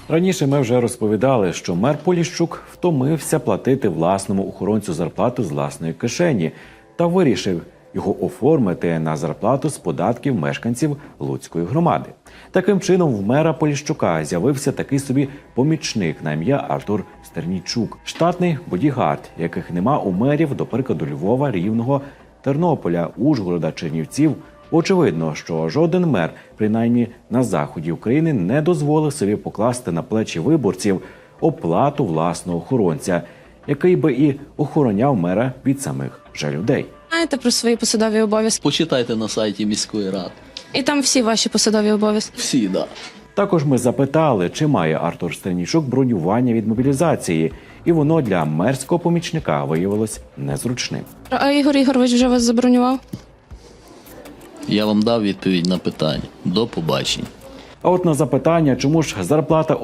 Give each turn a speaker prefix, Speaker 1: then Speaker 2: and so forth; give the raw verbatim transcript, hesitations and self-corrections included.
Speaker 1: Раніше ми вже розповідали, що мер Поліщук втомився платити власному охоронцю зарплату з власної кишені та вирішив його оформити на зарплату з податків мешканців Луцької громади. Таким чином, в мера Поліщука з'явився такий собі помічник на ім'я Артур Стернійчук. Штатний бодігард, яких нема у мерів, до прикладу, Львова, Рівного, Тернополя, Ужгорода, Чернівців. Очевидно, що жоден мер, принаймні на заході України, не дозволив собі покласти на плечі виборців оплату власного охоронця, який би і охороняв мера від самих же людей.
Speaker 2: Знаєте про свої посадові обов'язки?
Speaker 3: Почитайте на сайті міської ради.
Speaker 2: І там всі ваші посадові обов'язки.
Speaker 3: Всі, да.
Speaker 1: Також ми запитали, чи має Артур Стернійчук бронювання від мобілізації, і воно для мерського помічника виявилось незручним.
Speaker 2: А Ігор Ігорович вже вас забронював?
Speaker 3: Я вам дав відповідь на питання. До побачення.
Speaker 1: А от на запитання, чому ж зарплата